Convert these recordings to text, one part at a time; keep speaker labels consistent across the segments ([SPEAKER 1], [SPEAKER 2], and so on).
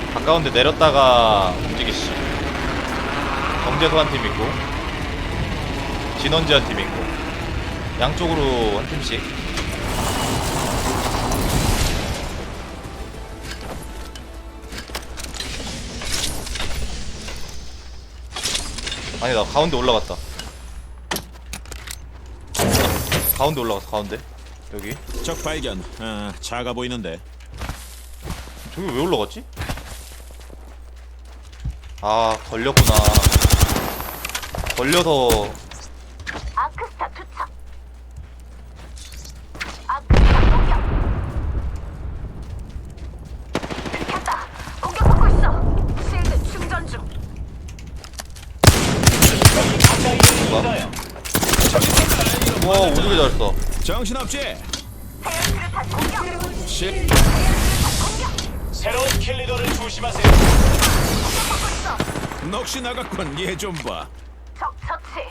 [SPEAKER 1] 가까운데 내렸다가 움직이시. 경제소 한 팀 있고 진원지 한 팀 있고 양쪽으로 한 팀씩. 아니 나 가운데 올라갔다. 가운데 올라갔어. 가운데 여기.
[SPEAKER 2] 적 발견. 작아 보이는데.
[SPEAKER 1] 저기 왜 올라갔지? 아 걸렸구나. 걸려서.
[SPEAKER 3] 아크스타 투척. 아크스타 공격. 들켰다. 공격받고 있어. 실드 충전 중.
[SPEAKER 1] 와 오지게 잘했어.
[SPEAKER 2] 정신없지?
[SPEAKER 3] 헤어스르탄 공격.
[SPEAKER 2] 실.
[SPEAKER 4] 새로운 킬리더를 조심하세요.
[SPEAKER 3] 공격받고 있어.
[SPEAKER 2] 넋이 나갔군. 얘 좀 봐.
[SPEAKER 3] 적 처치.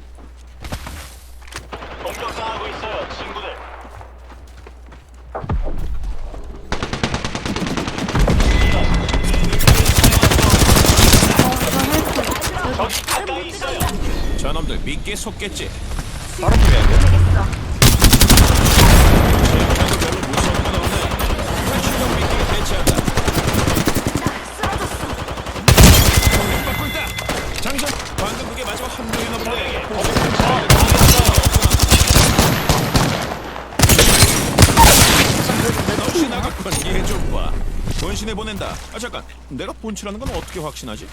[SPEAKER 4] 공격당하고 있어요, 친구들. 적이 가까이 있어요.
[SPEAKER 2] 저놈들 믿기에 속겠지.
[SPEAKER 1] 다른 팀이 아니야?
[SPEAKER 3] 되겠어.
[SPEAKER 2] 쟤네도 별로 무서운 건 없네. 출력 믿기에 대체한다.
[SPEAKER 3] 쓰러졌어.
[SPEAKER 2] 공격받고 있다. 장전. 방금 그게 마지막 한 명이나 본데. 넋이 나갔군. 얘 좀 봐. 본신에 보낸다. 아 잠깐. 내가 본치라는 건 어떻게 확신하지?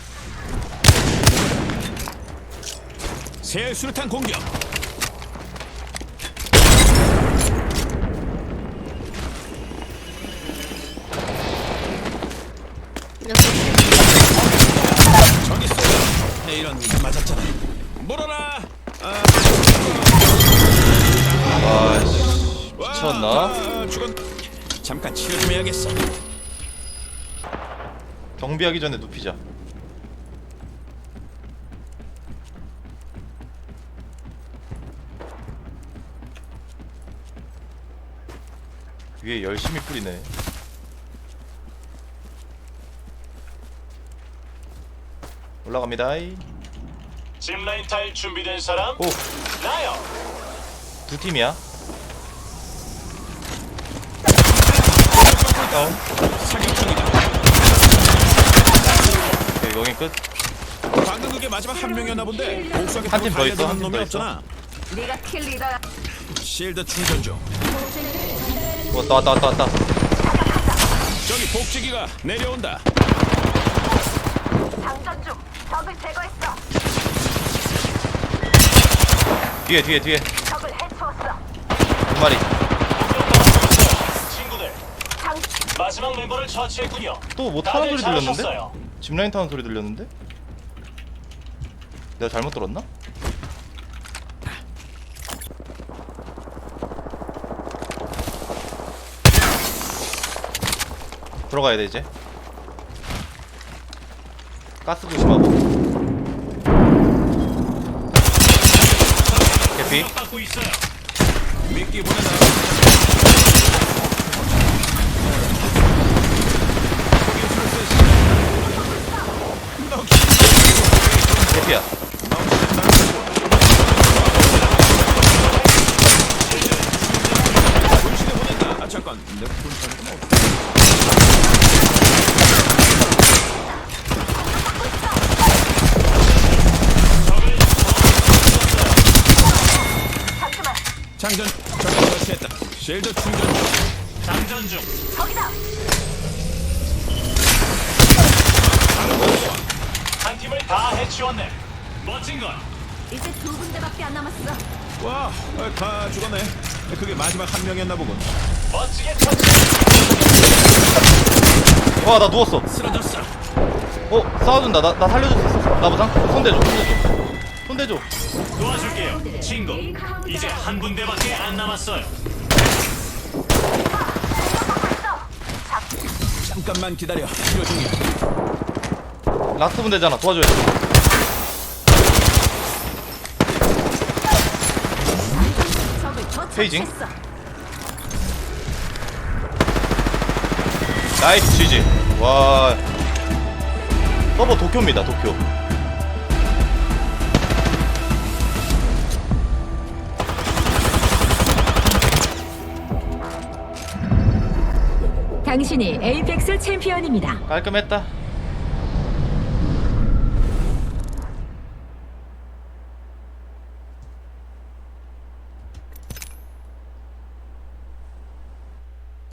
[SPEAKER 2] 새 수류탄 공격. 저기 있어. 내 이런 맞았잖아. 물어라.
[SPEAKER 1] 아이씨 미쳤나?
[SPEAKER 2] 죽은. 잠깐 치료 좀 해야겠어.
[SPEAKER 1] 경비하기 전에 눕히자. 위에 열심히 뿌리네. 올라갑니다.
[SPEAKER 4] 짚라인 탈 준비된 사람?
[SPEAKER 1] 오,
[SPEAKER 4] 나요.
[SPEAKER 1] 두 팀이야. 다운.
[SPEAKER 2] 사격 중이다.
[SPEAKER 1] 오케이, 여긴 끝.
[SPEAKER 2] 방금 그게 마지막 한 명이었나 본데. 복수하게
[SPEAKER 1] 한팀더 있어,
[SPEAKER 2] 달려드는
[SPEAKER 1] 한팀
[SPEAKER 2] 놈이
[SPEAKER 1] 더 있어.
[SPEAKER 2] 없잖아.
[SPEAKER 3] 네가 킬 리더야.
[SPEAKER 2] 실드 충전 중.
[SPEAKER 1] 왔다.
[SPEAKER 2] 저기 복지기가 내려온다.
[SPEAKER 3] 장전 중. 적을 제거했어.
[SPEAKER 1] 뒤에.
[SPEAKER 3] 적을 해치웠어.
[SPEAKER 1] 두 마리.
[SPEAKER 4] 공격당하고 있어요, 친구들.
[SPEAKER 3] 장
[SPEAKER 4] 마지막 멤버를 처치했군요.
[SPEAKER 1] 또 뭐 타는 소리 들렸는데?
[SPEAKER 4] 잘하셨어요.
[SPEAKER 1] 짚라인 타는 소리 들렸는데? 내가 잘못 들었나? 들어가야 돼 이제. 가스 조심하고. 개피.
[SPEAKER 4] 공격받고 있어요.
[SPEAKER 2] 미끼 보낸다.
[SPEAKER 1] 개피야.
[SPEAKER 2] 본신에 보낸다. 아 잠깐. 내 본신은 어떻게?
[SPEAKER 3] 잠시만.
[SPEAKER 2] 장전. 저기 설치했다. 실드 충전 중.
[SPEAKER 4] 장전 중.
[SPEAKER 3] 저기다.
[SPEAKER 4] 한 팀을 다 해치웠네. 멋진 걸.
[SPEAKER 3] 이제 두 군데밖에 안 남았어.
[SPEAKER 2] 와, 다 죽었네. 그게 마지막 한 명이었나 보군.
[SPEAKER 4] 멋지게 처치.
[SPEAKER 1] 와 나 누웠어.
[SPEAKER 2] 쓰러졌어.
[SPEAKER 1] 싸워준다. 나 살려줄 수 있어. 나 보상. 손대줘.
[SPEAKER 4] 도와줄게요, 친구. 이제 한 군데밖에 안 남았어요.
[SPEAKER 2] 잠깐만 기다려. 치료 중이야.
[SPEAKER 1] 라스트 분대잖아. 도와줘야 돼.
[SPEAKER 3] 적을
[SPEAKER 1] 페이징.
[SPEAKER 3] 처치했어.
[SPEAKER 1] 나이스 GG. 와 서버 도쿄입니다. 도쿄.
[SPEAKER 5] 당신이 에이펙스 챔피언입니다.
[SPEAKER 1] 깔끔했다.